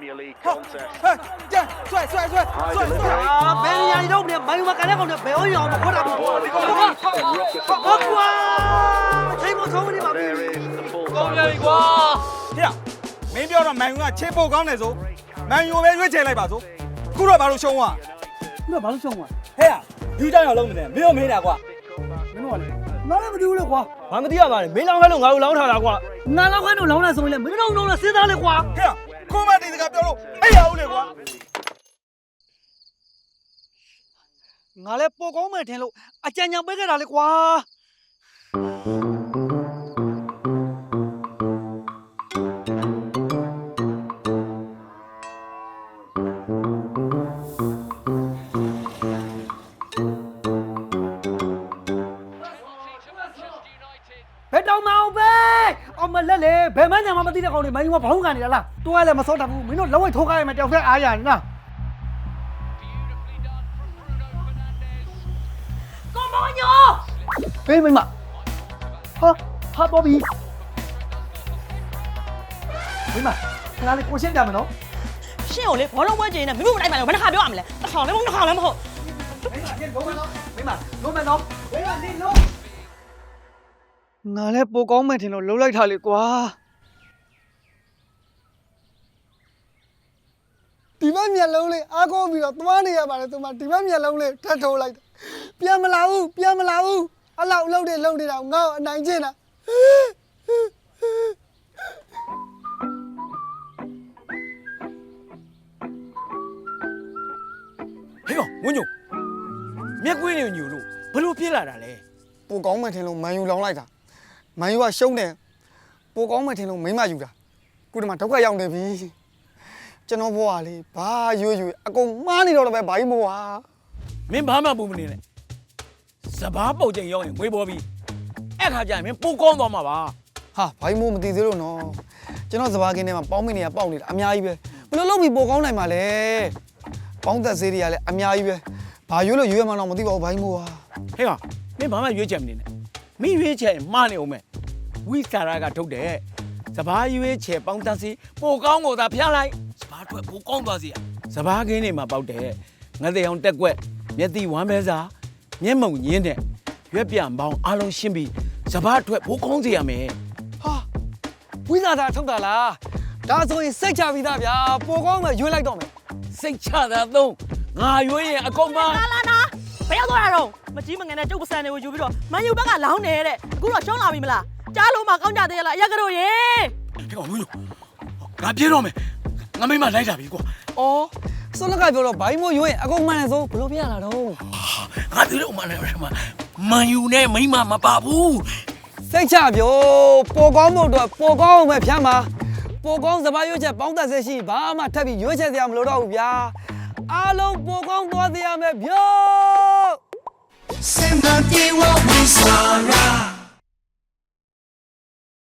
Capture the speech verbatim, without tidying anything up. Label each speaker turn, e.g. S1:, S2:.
S1: 这帅帅帅帅帅！
S2: 啊，别人家你都不没有嘛，干那个呢，不要要嘛，我咋不？我瓜，谁不聪明嘛？
S1: 高人一瓜。呀，没标准，买用啊，切包刚那种，买用呗，越切来吧，走。够了，把路凶啊！
S2: 那把路凶啊！
S1: 嘿呀，有张要弄的，没有没得瓜。
S2: 没弄嘞，哪来不丢了瓜？
S3: 俺们底下嘛，没两块弄，俺有两条大瓜。
S2: 俺老块弄老来送的，没弄弄了谁拿的瓜？
S1: 嘿呀，可把你这个标路，哎呀，我的瓜！
S2: 俺来包光没天路，啊，今年没给拿的瓜。别找毛病！我们来来，别买娘妈地的高的，买我跑干的啦。多来嘛少打不，没弄老外偷开嘛，掉在阿呀呢。公婆牛！哎，妹妈，哈，哈波比，妹妈，哪里过现干嘛喏？
S4: 现有的，我让我姐呢，没有来买，我那还不要买了，好了，我好了不好。
S2: 妹妈，先罗曼喏，妹妈，罗曼喏，妹妈你罗。俺来曝光没听到，老来他的瓜。
S5: ဒီဘက်မျက်လုံးလေးအားကိုးပြီးတော့သွားနေရပါတယ်သူမဒီဘက်မျက်လုံးလေးထပ်ထိုးလိုက်ပြန်မလာဘူးပြန်မလာဘူးအလောက်လှုပ်နေလှုပ်နေတာငါ့ကိုအနိုင်ကျင့်တာ
S3: ဟေးကောင်ဝင်းညိုမျက်ကွင်းနေညိုလို့ဘလို့ပြေးလာတာလဲ
S5: ပိုကောင်းမှထင်လို့မန်ယူလောင်းလိုက်တာမန်ယူကရှုံးတယ်ပိုကောင်းမှထင်လို့မိမယူတာခုဒီမှာဒုက္ခရောက်နေပြီကျွန်တော်ဘွားလေးဘာရွရွအကုန်မှားနေတော့လည်းပဲဘာကြီးမို့ဟာ
S3: မင်းဘာမှပူမနေနဲ့စပားပုတ်ချိန်ရောက်ရင်ဝေးပေါ်ပြီအဲ့ခါကျရင်မင်းပိုကောင်းသွားမှာပါ
S5: ဟာဘာကြီးမို့မသိသေးလို့နော်ကျွန်တော်စပါးကင်းထဲမှာပေါင်းမင်းတွေကပေါက်နေတာအများကြီးပဲဘယ်လိုလုပ်ပြီးပိုကောင်းနိုင်မှာလဲပေါင်းသက်ဆေးတွေကလည်းအများကြီးပဲဘာရွလို့ရွရမှတော့မသိပါဘူးဘာကြီးမို့ဟာ
S3: ဟေးကောင်မင်းဘာမှရွေးချက်မနေနဲ့မင်းရွေးချက်မှားနေအောင်မယ်ဝိစာရကထုတ်တယ်စပားရွေးချက်ပေါင်းသက်ဆေးပိုကောင်းကိုသာဖျားလိုက်စပားထွက်ပိုကောင်းသွားစီစပားကင်းတွေမှာပေါက်တယ်ငါတဲ့အောင်တက်ကွက်မျက်တိဝမ်းပဲစားမျက်မုံညင်းတဲ့ရွက်ပြန်ပေါင်းအားလုံးရှင်းပြီးစပားထွက်ပိုကောင်းစီရမယ်
S5: ဟာဝိဇာသာထုတ်တာလားဒါဆိုရင်စိတ်ချပြီးသားဗျာပိုကောင်းမှရွေးလိုက်တော့မယ်
S3: စိတ်ချတာသုံးငါရွေးရင်အကုန်ပါ
S4: လာလာနာဘယ်ရောက်သွားတာတော့မကြီးမငယ်နဲ့ကျုပ်ပစံတွေကိုယူပြီးတော့မန်ယူဘက်ကလောင်းနေတဲ့အခုတော့ရှုံးလာပြီမလားကြားလို့မှကောင်းကြသေးရလားအရက်ကတော့ရေ
S3: ဟေးကောင်မင်းငါပြေးတော့မယ်ငါမိမလိုက်တာပြီကွာ
S5: အော်စွန်းလက်ကပြောတော့ဘာကြီးမို့ရွေးရင်အကုန်မှန်တယ်ဆိုဘယ်လိုပြရလာတော့
S3: ငါပြေးတော့မှလည်းမန်ယူနဲ့မိမမပါဘူး
S5: စိတ်ချပြောပိုကောင်းဖို့အတွက်ပိုကောင်းအောင်ပဲဖြမ်းပါပိုကောင်းစပားရွေးချက်ပေါင်းသက်စေရှိဘာမှထပ်ပြီးရွေးချက်စရာမလိုတော့ဘူးဗျာအားလုံးပိုကောင်းသွားစေရမယ်ဗျာ
S6: Send the day what we saw.